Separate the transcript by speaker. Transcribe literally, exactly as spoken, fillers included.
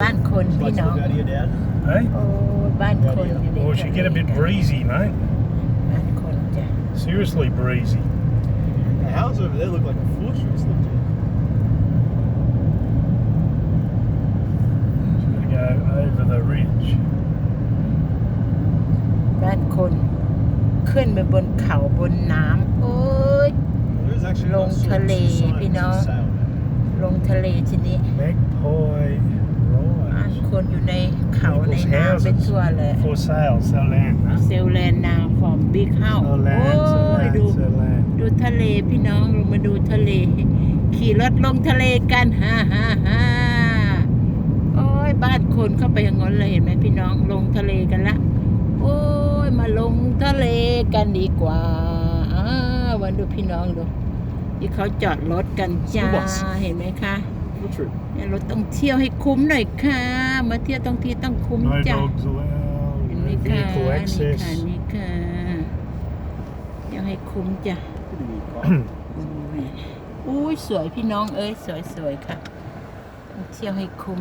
Speaker 1: บ้านคนพี่น้อง
Speaker 2: Hey?
Speaker 1: โอ้บ้านคนอยู่ใน
Speaker 2: Or it should get a bit breezy, mate.
Speaker 1: บ้านคนจ้ะ
Speaker 2: Seriously breezy.
Speaker 3: The houses over there look like a fortress. Look at
Speaker 2: Gotta go over the ridge.
Speaker 1: บ้านคนขึ้นไปบนเขาบนน้ำโอ้ย
Speaker 3: There's actually
Speaker 1: Long
Speaker 3: not sort of
Speaker 1: Tale,
Speaker 3: two signs
Speaker 1: you know.
Speaker 3: to sail there.
Speaker 1: ลงทะเลทีนี้
Speaker 2: Magpie
Speaker 1: บ้าน
Speaker 2: Rise.
Speaker 1: คนอยู่ในเขาใน
Speaker 2: People's
Speaker 1: น้ำเป็น
Speaker 2: houses
Speaker 1: ทั่วเลย
Speaker 2: for sale, sell land. Huh?
Speaker 1: เซลแลนด์นาฟอร์มบิ๊กเฮา
Speaker 2: Sell
Speaker 1: โอ้
Speaker 2: land, sell
Speaker 1: ย
Speaker 2: land,
Speaker 1: ดู
Speaker 2: sell land.
Speaker 1: ดูทะเลพี่น้องลงมาดูทะเล ขี่รถลงทะเลกันฮ่าฮ่าฮ่าโอ้ยบ้านคนเข้าไปอย่างนั้นเลยเห็นไหมพี่น้องลงทะเลกันละโอ้ยมาลงทะเลกันดีกว่าอ้าววันดูพี่น้องดูที่เขาจอดรถกันจ้าเห็นไหมคะ
Speaker 3: What trip?
Speaker 1: เนี่ยรถต้องเที่ยวให้คุ้มหน่อยค่ะมาเที่ยวต้องที่ต้องคุ้ม
Speaker 2: No
Speaker 1: จ้ะ
Speaker 2: dogs allowed.
Speaker 1: เห็นไหม
Speaker 2: No
Speaker 1: คะ
Speaker 2: vehicle
Speaker 1: นี่
Speaker 2: access.
Speaker 1: ค่ะนี่ค่ะเที่ยวให้คุ้มจ้ะ
Speaker 3: Pretty neat car.
Speaker 1: อุ้ยสวยพี่น้องเอ้ยสวยๆค่ะเที่ยวให้คุ้ม